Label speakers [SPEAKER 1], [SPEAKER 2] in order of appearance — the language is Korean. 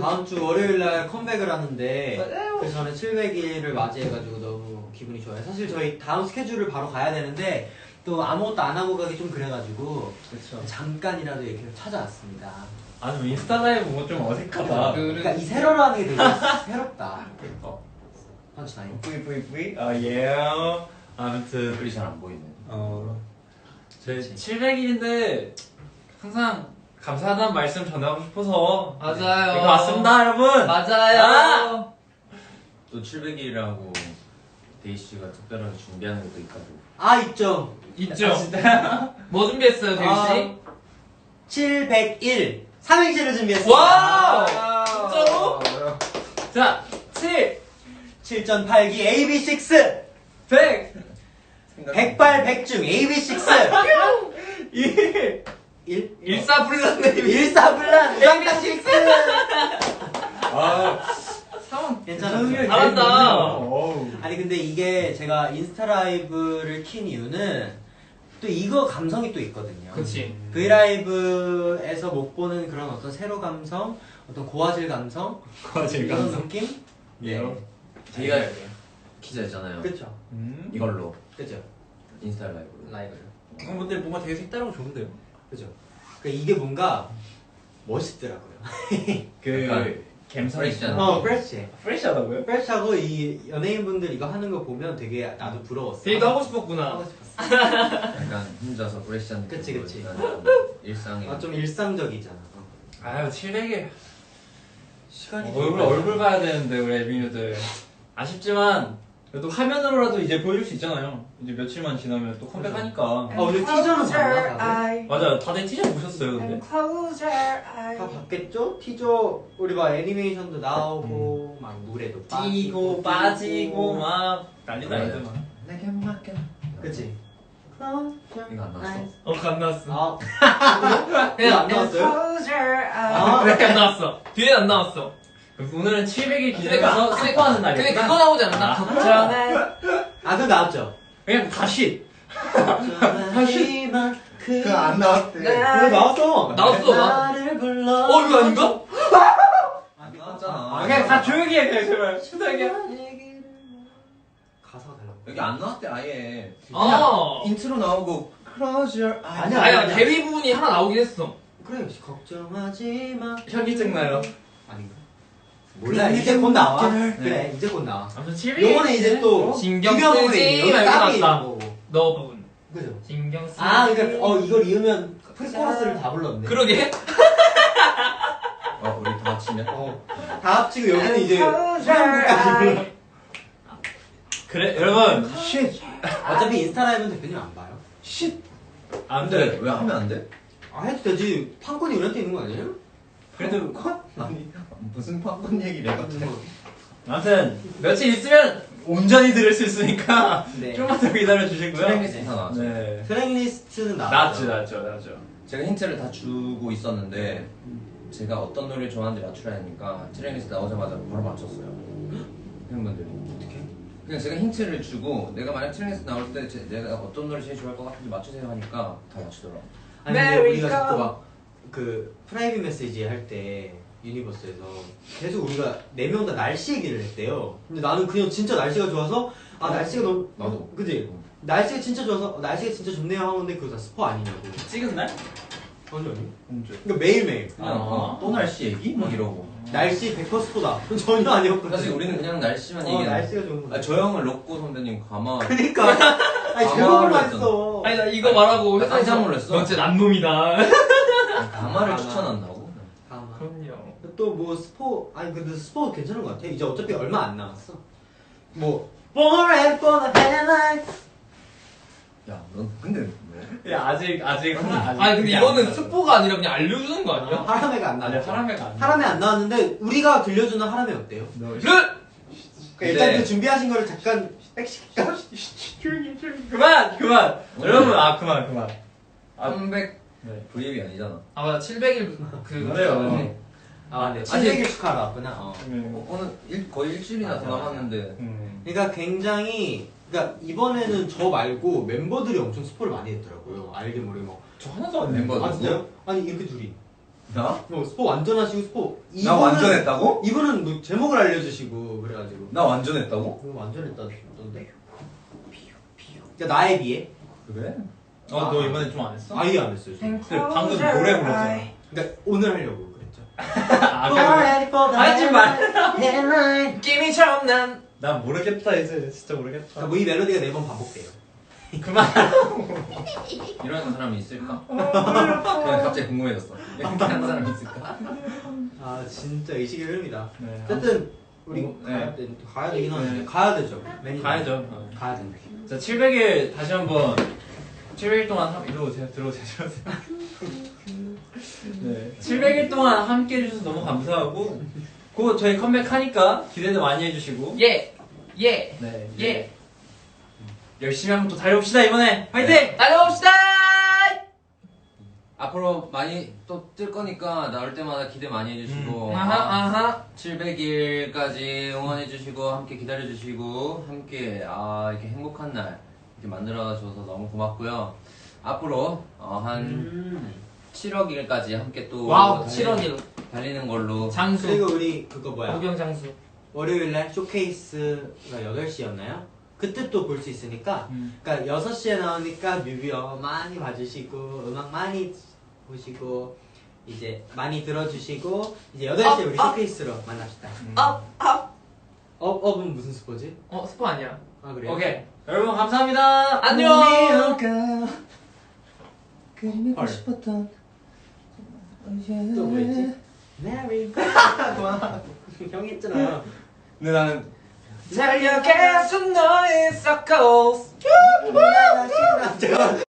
[SPEAKER 1] 다음 주 월요일 날 컴백을 하는데 그 전에 700일을 맞이해가지고 너무 기분이 좋아요. 사실 저희 다음 스케줄을 바로 가야 되는데 또 아무것도 안 하고 가기 좀 그래가지고
[SPEAKER 2] 그쵸.
[SPEAKER 1] 잠깐이라도 이렇게 찾아왔습니다.
[SPEAKER 2] 아니 인스타 라이브 뭐 좀 어색하다.
[SPEAKER 1] 그러니까 이 세로로 하는 게 되게 새롭다. 펀치나인.
[SPEAKER 2] 뿌이 아 예. 아무튼
[SPEAKER 3] 글이 잘 안 보이네.
[SPEAKER 2] 제 700일인데 항상 감사하다는 말씀 전하고 싶어서
[SPEAKER 4] 맞아요.
[SPEAKER 2] 이거 왔습니다 여러분.
[SPEAKER 4] 맞아요.
[SPEAKER 3] 또 700일이라고 데이 씨가 특별하게 준비하는 것도 있다고.
[SPEAKER 1] 아 있죠.
[SPEAKER 4] 있죠.
[SPEAKER 2] 아, 진짜.
[SPEAKER 4] 뭐 준비했어요, 대휘 씨?
[SPEAKER 1] 701 3행시를 준비했습니다.
[SPEAKER 4] 와우! 진짜로?
[SPEAKER 2] 자 7
[SPEAKER 1] 7.8기 AB6
[SPEAKER 4] 100!
[SPEAKER 1] 백발백중 AB6
[SPEAKER 2] 1
[SPEAKER 1] 1
[SPEAKER 4] 일사불란네.
[SPEAKER 1] 일사불란 AB6
[SPEAKER 2] 아
[SPEAKER 1] 괜찮았죠?
[SPEAKER 4] 잘한다.
[SPEAKER 2] 어우.
[SPEAKER 1] 아니 근데 이게 제가 인스타 라이브를 킨 이유는 또 이거 감성이 또 있거든요.
[SPEAKER 4] 그치.
[SPEAKER 1] 브이라이브에서 못 보는 그런 어떤 세로 감성, 어떤 고화질 감성,
[SPEAKER 2] 고화질
[SPEAKER 1] 이런
[SPEAKER 2] 감성.
[SPEAKER 1] 느낌?
[SPEAKER 3] 예. 저희가 키자 했잖아요.
[SPEAKER 1] 그쵸.
[SPEAKER 3] 이걸로
[SPEAKER 1] 그쵸.
[SPEAKER 3] 인스타 라이브로.
[SPEAKER 1] 라이브를.
[SPEAKER 2] 근데 뭔가 되게 색다르고 좋은데요?
[SPEAKER 1] 그죠. 그러니까 이게 뭔가 멋있더라고요.
[SPEAKER 3] 약간
[SPEAKER 2] 갬성이
[SPEAKER 3] 프레시잖아.
[SPEAKER 1] 프레시.
[SPEAKER 2] 프레시하다고요?
[SPEAKER 1] 프레시하고 이 연예인분들 이거 하는 거 보면 되게 나도 부러웠어.
[SPEAKER 4] 대휘도 하고 싶었구나.
[SPEAKER 1] 하고 싶었어.
[SPEAKER 3] 약간 혼자서 프레시한 느낌.
[SPEAKER 1] 그치, 그치.
[SPEAKER 3] 일상에.
[SPEAKER 1] 좀 일상적이잖아.
[SPEAKER 2] 아유 700일
[SPEAKER 1] 시간이
[SPEAKER 2] 얼굴 봐야 되는데 우리 에비뉴들 아쉽지만 그래도 화면으로라도 이제 보여줄 수 있잖아요. 이제 며칠만 지나면 또 컴백하니까.
[SPEAKER 1] 아 오늘 티저는 봤나 다들?
[SPEAKER 2] 맞아요. 다들 티셔츠 보셨어요 근데?
[SPEAKER 1] 다 봤겠죠? 티저 우리 막 애니메이션도 나오고 막 물에도
[SPEAKER 2] 뛰고 빠지고 막 난리다
[SPEAKER 3] 맞아요.
[SPEAKER 2] 애들만.
[SPEAKER 3] 내게 맡겨.
[SPEAKER 1] 그치?
[SPEAKER 3] 이거 안 나왔어?
[SPEAKER 2] 안 나왔어.
[SPEAKER 1] 아
[SPEAKER 4] 그냥
[SPEAKER 1] 안 나왔어요? 아
[SPEAKER 4] 그렇게 안 나왔어. 뒤에 안 나왔어.
[SPEAKER 2] 오늘은 700일 기념해서 스포하는
[SPEAKER 4] 근데
[SPEAKER 2] 날이구나.
[SPEAKER 4] 그거 나오지 않았나? 걱정해.
[SPEAKER 1] 아 그거 나왔죠?
[SPEAKER 2] 그냥 다시.
[SPEAKER 1] 하지만
[SPEAKER 3] 그거 안 나왔대.
[SPEAKER 1] 그거 나왔어.
[SPEAKER 4] 나왔어.
[SPEAKER 1] 나를 불러.
[SPEAKER 4] 이거 아닌가?
[SPEAKER 3] 안 나왔잖아.
[SPEAKER 2] 아 그냥 다 조용히 해 그냥 제발. 신나게.
[SPEAKER 1] 가사가 달라.
[SPEAKER 3] 여기 안 나왔대 아예.
[SPEAKER 4] 아.
[SPEAKER 3] 인트로 나오고 Close your eyes.
[SPEAKER 1] 아니야.
[SPEAKER 4] 아니, 대휘 부분이 하나 나오긴 했어.
[SPEAKER 1] 그래 걱정하지 마.
[SPEAKER 2] 현기증 나요.
[SPEAKER 1] 아닌가? 몰라 이제 곧 나와.
[SPEAKER 3] 네.
[SPEAKER 1] 그래 이제 곧 나와.
[SPEAKER 2] 아무튼 700일.
[SPEAKER 1] 요거는 이제 또
[SPEAKER 4] 신경
[SPEAKER 1] 유명
[SPEAKER 4] 쓰지
[SPEAKER 1] 부분이에요.
[SPEAKER 4] 말고
[SPEAKER 1] 따로
[SPEAKER 4] 나왔다.
[SPEAKER 1] 있는 거고.
[SPEAKER 4] 너 부분.
[SPEAKER 1] 그죠?
[SPEAKER 4] 신경 쓰지.
[SPEAKER 1] 아 그러니까 이걸 이으면 프리코러스를 다 불렀네.
[SPEAKER 4] 그러게.
[SPEAKER 3] 우리 다 합치면?
[SPEAKER 1] 다 합치고 여기는 이제 후렴구까지.
[SPEAKER 2] 그래 여러분.
[SPEAKER 1] 어차피 인스타 라이브는 대표님 안 봐요.
[SPEAKER 2] 안
[SPEAKER 3] 근데
[SPEAKER 2] 돼.
[SPEAKER 3] 왜 하면 안 돼?
[SPEAKER 1] 아 해도 되지. 판권이 우리한테 있는 거 아니에요?
[SPEAKER 2] 그래도
[SPEAKER 3] 아니 무슨 팝콘 얘기를 해봤자.
[SPEAKER 2] 아무튼 며칠 있으면 온전히 들을 수 있으니까
[SPEAKER 1] 네.
[SPEAKER 2] 좀만 더 기다려 주시고요.
[SPEAKER 3] 트랙리스트 다 나왔죠.
[SPEAKER 2] 네.
[SPEAKER 1] 트랙리스트는 나왔죠.
[SPEAKER 2] 나왔죠.
[SPEAKER 3] 제가 힌트를 다 주고 있었는데 제가 어떤 노래를 좋아하는지 맞추라 하니까 트랙리스트 나오자마자 바로 맞췄어요. 팬분들이.
[SPEAKER 1] 어떻게?
[SPEAKER 3] 그냥 제가 힌트를 주고 내가 만약 트랙리스트 나올 때 내가 어떤 노래 제일 좋아할 것 같은지 맞추세요 하니까 다 맞추더라고.
[SPEAKER 1] 아니 근데 우리가 자꾸 막 그 프라이빗 메시지 할 때 유니버스에서 계속 우리가 4명 다 날씨 얘기를 했대요. 근데 나는 그냥 진짜 날씨가 좋아서 날씨가 너무
[SPEAKER 3] 나도.
[SPEAKER 1] 그지? 날씨가 진짜 좋아서 날씨가 진짜 좋네요 하는데 그거 다 스포 아니냐고.
[SPEAKER 2] 찍은 날?
[SPEAKER 1] 아니
[SPEAKER 2] 언제?
[SPEAKER 1] 그러니까 매일매일
[SPEAKER 3] 그냥 또 날씨 얘기? 막 이러고.
[SPEAKER 1] 날씨 100% 스포다. 그건 전혀 아니었거든.
[SPEAKER 3] 사실 우리는 그냥 날씨만 얘기해.
[SPEAKER 1] 날씨가 좋은 거.
[SPEAKER 3] 저 형은 로꼬 선배님 가마.
[SPEAKER 1] 그니까 아니 제목을 했어.
[SPEAKER 4] 아니, 나 이거 말하고
[SPEAKER 3] 나 깜짝 놀랐어.
[SPEAKER 4] 너 진짜 남놈이다.
[SPEAKER 3] 가마를
[SPEAKER 1] 가마.
[SPEAKER 3] 추천한다고?
[SPEAKER 4] 그럼요.
[SPEAKER 1] 또 뭐 스포 근데 스포 괜찮은 것 같아. 이제 어차피 얼마 안 남았어. 뭐 Born for the headlight.
[SPEAKER 3] 야, 넌 근데 왜?
[SPEAKER 2] 야 아직
[SPEAKER 4] 아니, 근데 이거는 스포가 아니라 그냥 알려주는 거 아니야?
[SPEAKER 1] 하람에가 안
[SPEAKER 2] 아니
[SPEAKER 1] 나왔어.
[SPEAKER 2] 하람에가 안
[SPEAKER 1] 하람에 안 나왔는데 우리가 들려주는 하람에 어때요?
[SPEAKER 4] 르!
[SPEAKER 1] 그러니까 일단
[SPEAKER 3] 네.
[SPEAKER 1] 그 준비하신 거를 잠깐 백시킬까?
[SPEAKER 2] 조용히 그만 여러분 그만
[SPEAKER 3] 300
[SPEAKER 2] 네.
[SPEAKER 3] V앱이 아니잖아.
[SPEAKER 4] 아, 맞아. 700일 그.
[SPEAKER 2] 그래요.
[SPEAKER 1] 네. 700일 축하하러 왔구나.
[SPEAKER 3] 오늘 거의 일주일이나 더 남았는데.
[SPEAKER 1] 그러니까 굉장히 그러니까 이번에는 저 말고 멤버들이 엄청 스포를 많이 했더라고요. 알게 모르게 막.
[SPEAKER 2] 저 하나도 안
[SPEAKER 3] 멤버
[SPEAKER 1] 아
[SPEAKER 3] 누구?
[SPEAKER 1] 진짜요? 아니 이렇게 둘이.
[SPEAKER 3] 나?
[SPEAKER 1] 스포 완전 하시고 스포
[SPEAKER 3] 나 완전 했다고?
[SPEAKER 1] 이분은 뭐 제목을 알려주시고 그래가지고
[SPEAKER 3] 나 완전 했다고?
[SPEAKER 1] 완전 했다던데. 그러니까 나에 비해
[SPEAKER 3] 그래?
[SPEAKER 2] 너 이번에 좀 안 했어?
[SPEAKER 1] 아예 안 했어요. 저는.
[SPEAKER 2] 근데 방금 노래 불렀잖아.
[SPEAKER 1] 그러니까 오늘 하려고 그랬죠.
[SPEAKER 2] 아, 그래.
[SPEAKER 1] 하지 말.
[SPEAKER 4] 느낌이처럼 난
[SPEAKER 2] 난 모르겠다 이제 진짜 모르겠다.
[SPEAKER 1] 그러니까 뭐이 멜로디가 4번 반복돼요.
[SPEAKER 2] 그만.
[SPEAKER 3] 이런 사람이 있을까? 그냥 갑자기 궁금해졌어. 이렇게 하는 사람이 있을까?
[SPEAKER 1] 아 진짜 의식의 흐름이다.
[SPEAKER 2] 네.
[SPEAKER 1] 어쨌든 우리
[SPEAKER 2] 네.
[SPEAKER 1] 가야 되긴 하는데
[SPEAKER 2] 네.
[SPEAKER 1] 가야 되죠. 매니저.
[SPEAKER 2] 가야죠.
[SPEAKER 1] 가야 된다.
[SPEAKER 2] 자 700일 다시 한번 700일 동안 이리 오세요. 들어오세요. 네. 700일 동안 함께 해주셔서 너무 감사하고 곧 저희 컴백하니까 기대도 많이 해주시고
[SPEAKER 4] 예.
[SPEAKER 2] 네 이제
[SPEAKER 4] 예.
[SPEAKER 2] 열심히 한번 또 달려봅시다 이번에 화이팅!
[SPEAKER 4] 달려봅시다.
[SPEAKER 3] 앞으로 많이 또 뜰 거니까 나올 때마다 기대 많이 해주시고
[SPEAKER 4] 아하.
[SPEAKER 3] 700일까지 응원해주시고 함께 기다려주시고 함께 이렇게 행복한 날 이렇게 만들어줘서 너무 고맙고요. 앞으로 한 7억 일까지 함께 또
[SPEAKER 4] 와우 7억일
[SPEAKER 3] 달리는 걸로
[SPEAKER 4] 장수.
[SPEAKER 1] 그리고 우리 그거 뭐야?
[SPEAKER 4] 구경 장수.
[SPEAKER 1] 월요일날 쇼케이스가 8시였나요? 그때 또 볼 수 있으니까 그러니까 6시에 나오니까 뮤비어 많이 봐주시고 음악 많이 보시고 이제 많이 들어주시고 이제 8시에 우리 쇼케이스로 만납시다. 업은 무슨 스포지?
[SPEAKER 4] 스포 아니야.
[SPEAKER 1] 아 그래요?
[SPEAKER 4] 오케이.
[SPEAKER 2] 여러분 감사합니다.
[SPEAKER 4] 안녕.
[SPEAKER 1] 헐.
[SPEAKER 3] 싶었던
[SPEAKER 1] 또 뭐였지? 메리 형 했잖아.
[SPEAKER 3] 근데 나는
[SPEAKER 4] 달려가서 너의 circles.
[SPEAKER 1] 제가